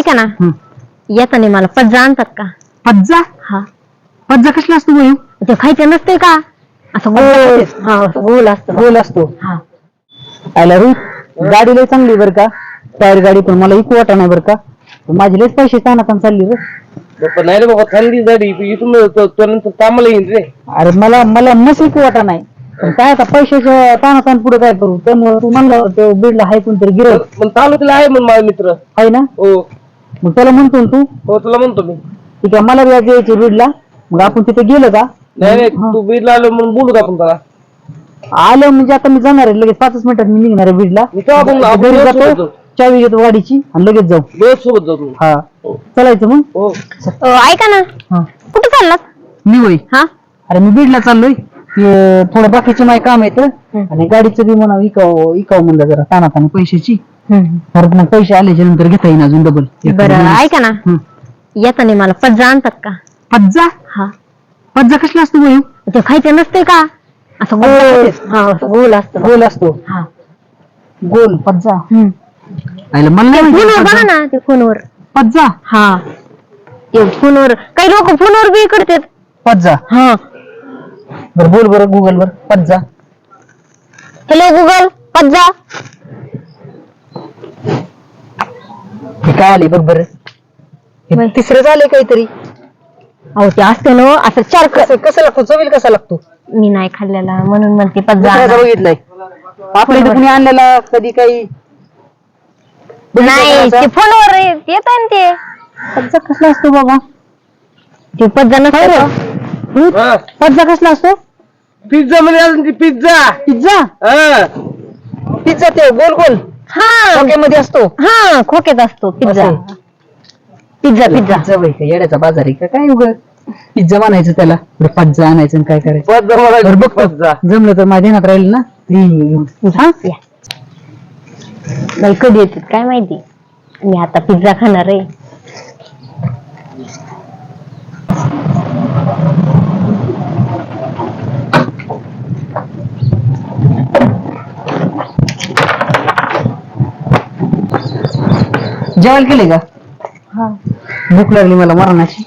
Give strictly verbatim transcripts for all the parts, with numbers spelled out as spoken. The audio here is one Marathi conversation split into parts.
ऐका ना, येताना मला पज्जा आणतात का? पज्जा? हा. पज्जा कसला असतो भाऊ? ते खायचं नसते का? असं गोल. हा, असं गोल असतो. गोल असतो. हा. आला रू गाडी लय चांगली बरं का, टायर गाडी, पण मला इकू वाटा नाही बरं का, माझे लयच पैसे तानातान चालली रे. नाही रे बाबा, थंडी गाडी इथून कामाला येईन रे. अरे मला मला नस इकू वाटा नाही, पण काय आता पैशाच्या तानातान पुढे काय करू, त्यामुळे तू म्हणला तो बीडला हाय कोणतरी गिरव पण तालुक्याला आहे म्हणून माझा मित्र आहे ना. हो मग त्याला म्हणतो तू. हो तुला म्हणतो मी. ठीक आहे, मला व्याज यायचे बीडला, मग आपण तिथे गेलो का? नाही नाही, तू बीडला आलो म्हणून बोलू का आपण त्याला? आलं म्हणजे आता मी जाणार आहे लगेच, पाचच मिनिटात मी निघणार आहे बीडला. घरी जातो, चावी घेतो गाडीची आणि लगेच जाऊ. दोस्त सोबत जातो. हा चालायचं मग. हो ऐका ना, कुठं चाललात? मी होय. हा. अरे मी बीडला चाललोय, थोडं बाकीचे माझे काम येतं आणि गाडीचं बी म्हणा इकाव इकाव म्हणलं जरा तानाताना पैशाची, परत मग पैसे आल्याच्या नंतर घेता येईन अजून डबल. बरं ऐका ना, येताना मला पज्जा आणतात का? पज्जा? हा. पज्जा कसला असतो भाऊ? ते खायचं नसते का? असं गोल. हा, असं गोल असतो. गोल असतो. हा. गोल पज्जा. मला नाही फोनवर बघा ना, ते फोनवर पज्जा. हा, ते फोनवर काही लोक फोनवर बी करतात पज्जा. हा. बरं बोल बरं गुगल वर पज्जा. Hello Google, पज्जा. हे काय आले बघ बरं, तिसरं झालंय काहीतरी. अहो ते असते ना असं चार कसं कसं लागतो, चवील कसा लागतो? मी नाही खाल्लेला म्हणून म्हणते पज्जा. बघितलंय आपल्या इथे कुणी आणलेला कधी काही नाही, ते फोनवर येत आहे ते. पज्जा कसला असतो बाबा? ते पज्जा नसतो. पज्जा कसला असतो? पिझ्झा मध्ये अजून ती पिझ्झा. पिझ्झा? हा पिझ्झा ते गोल गोल हा, खोक्यामध्ये असतो. हा, खोक्यात असतो पिझ्झा. पिझ्झा पिझ्झा पिझ्झा वय का येड्याचा बाजार आहे का काय? उघड पिझ्झा म्हणायचं त्याला, पिझ्झा आणायचं आणि काय करायचं. पिझ्झा जमलं तर माझ्या ध्यानात राहील ना. नाही कधी येतात काय माहिती, मी आता पिझ्झा खाणार आहे. जेवायला केले का? हा. भूक लागली मला मरणाची.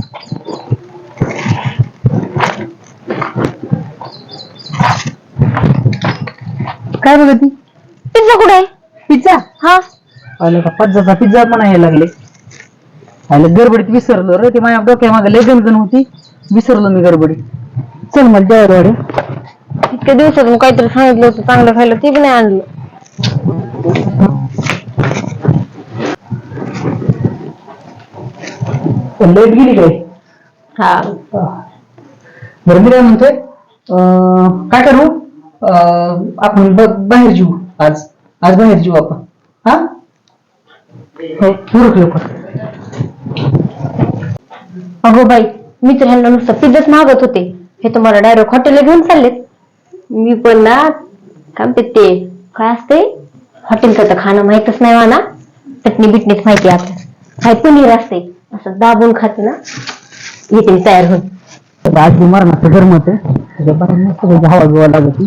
काय बघ ती पिझ्झा कुठे आहे? पिझ्झा? हा. आलं का पिझ्झाचा पिझ्झा पण यायला लागले. आलं गडबडीत विसरलो रे, ते माझ्या डोक्या मागे लय गणगण होती, विसरलो मी गडबडीत. चल मला जेवायला वाढे. इतक्या दिवसात काहीतरी सांगितलं होतं चांगलं खायला, ते पण नाही आणलं. लेट गेली काय? हा. बरं मी काय म्हणतोय, काय करू आपण बाहेर जेऊ आज. आज बाहेर जेऊ आपण. हा हो पूरक लवकर. अगो बाई, मी तर ह्यांना नुसतं पिझ्झाच मागत होते, हे तुम्हाला डायरेक्ट हॉटेलला घेऊन चाललेत. मी पण ना काय म्हणते ते काय असते हॉटेलचं तर खाणं माहितच नाही मला, चटणी बिटणीच माहिती आपलं. काय पनीर असते असं दाबून खाते ना, येते मी तयार होऊन. आज बिमार ना गरमत हवा बिवा लागत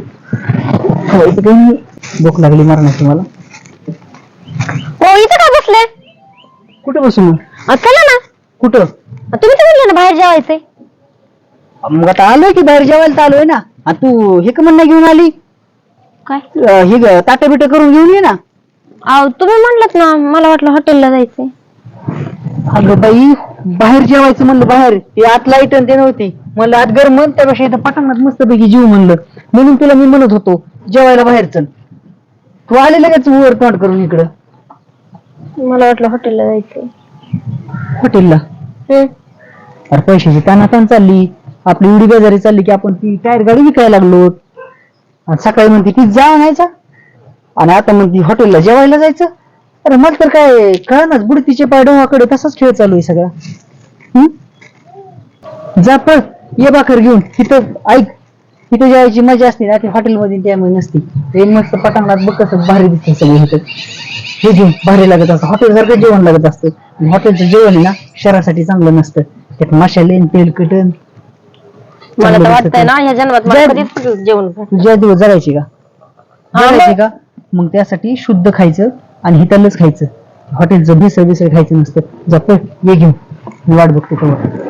काही भूक लागली मरणाची मला. हो इथं काय बसले? कुठे बसू मग? चला ना. कुठं? तुम्ही तर म्हणले ना बाहेर जेवायचंय. मग आता आलोय की बाहेर जेवायला तर आलोय ना. तू हे का म्हणणं घेऊन आली? काय हे ताटे बिटे करून घेऊन ये ना. अहो तुम्ही म्हणलात ना, मला वाटलं हॉटेलला जायचंय. अगं बाई बाहेर जेवायचं म्हणलं, बाहेर ते आत लाईट ते नव्हती म्हणलं, आत गरम त्यापेक्षा इथं पटांगणात मस्त पैकी जीव म्हणलं, म्हणून तुला मी म्हणत होतो जेवायला बाहेर चल. तू आले लगेच वर तोंड करून इकडं. मला वाटलं हॉटेलला जायचंय. हॉटेलला? अरे पैशाची तानातान चालली आपली, एवढी बेजारी चालली की आपण ती टायर गाडी विकायला लागलो. आणि सकाळी म्हणते पिझ्झा आणायचा आणि आता म्हणते हॉटेलला जेवायला जायचं. अरे मग तर काय कळनाच, बुडतीचे पाय डोहाकडे तसाच खेळ चालू आहे सगळा. हम्म जा पळ, ये भाकर घेऊन. तिथं ऐक, तिथे जेवायची मजा असते ना, ती हॉटेलमध्ये त्यामुळे नसती. ते मस्त पटांगणात बघ कसं भारी दिसतं सगळं. इथं हे घेऊन भारी लागत असतं, हॉटेल सारखं जेवण लागत असतं. हॉटेलचं जेवण आहे ना शरीरासाठी चांगलं नसतं, त्यात मसाले तेल कटन. मला तर वाटतंय ना ह्या जन्मात मला कधीच जेवण तुझ्या दिवस जगायची का? जगायची का? मग त्यासाठी शुद्ध खायचं आणि हितालच खायचं. हॉटेलचं भेसळ बिसळ खायचं नसतं. जा पळ, ये घेऊन, मी वाट बघतो तेव्हा.